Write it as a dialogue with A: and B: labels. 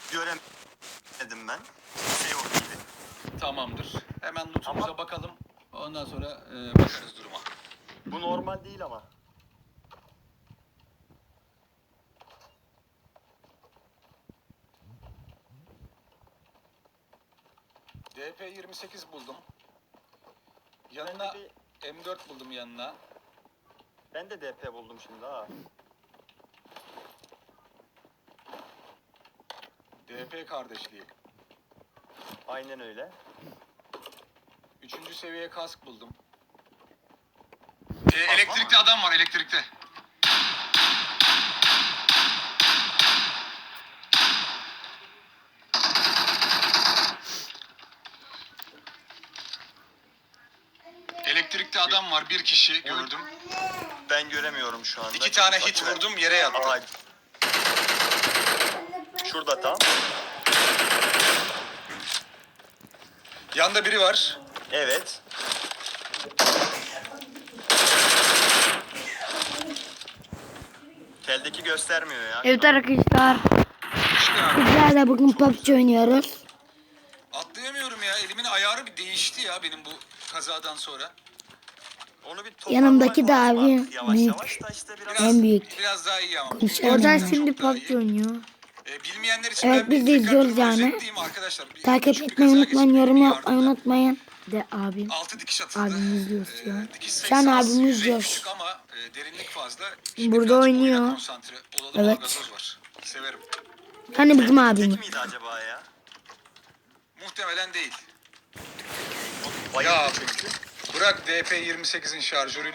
A: göremedim ben. Kimse yok gibi.
B: Tamamdır. Hemen lootumuza
A: Ama-
B: bakalım. Ondan sonra bakarız duruma.
A: Bu normal değil ama.
B: DP28 buldum. Yanına M4 buldum yanına.
A: Ben de DP buldum şimdi ha.
B: DP kardeşliği.
A: Aynen öyle.
B: 3. seviye kask buldum. Elektrikli adam var elektrikte. Elektrikli adam var, bir kişi gördüm.
A: Ben göremiyorum şu anda.
B: 2 tane hit vurdum, yere yattı.
A: Aa, şurada tam.
B: Yanda biri var.
A: Evet. Teldeki göstermiyor ya.
C: Evet arkadaşlar. Sizlerle bugün PUBG oynuyoruz.
B: Atlayamıyorum ya, elimin ayarı bir değişti ya benim bu kazadan sonra.
A: Onu bir toparlamak
C: Yanımdaki de
A: lazım
C: abi
A: artık yavaş
C: büyük.
A: yavaş da işte biraz.
C: En büyük.
B: Biraz daha iyi ama.
C: Konuşalım.
B: Bugün
C: O da
B: gerçekten
C: şimdi
B: çok daha
C: PUBG
B: iyi.
C: oynuyor.
B: Bilmeyenler için
C: Evet,
B: ben
C: biz de
B: tekrar
C: izliyoruz
B: durumu
C: yani.
B: özetleyeyim arkadaşlar.
C: Takip
B: Küçük bir
C: etmeyi
B: kaza
C: unutmayın,
B: geçirdik,
C: yorum
B: bir
C: yapmayı
B: yardımla.
C: unutmayın. De abim.
B: 6 dikiş atıldı.
C: Abim izliyor şu an.
B: Dikiş
C: Şu an
B: sayısı az,
C: abim
B: yüzey
C: izliyor.
B: küçük ama derinlik fazla.
C: Burada
B: birazcık
C: oynuyor.
B: oyuna konsantre olalım,
C: Evet.
B: Algazoz var. Severim.
C: Hani bizim
A: Tek
C: abim.
A: miydi acaba ya?
B: Muhtemelen değil.
A: Bayıldı
B: Ya
A: çünkü.
B: bırak DP28'in şarjörüyle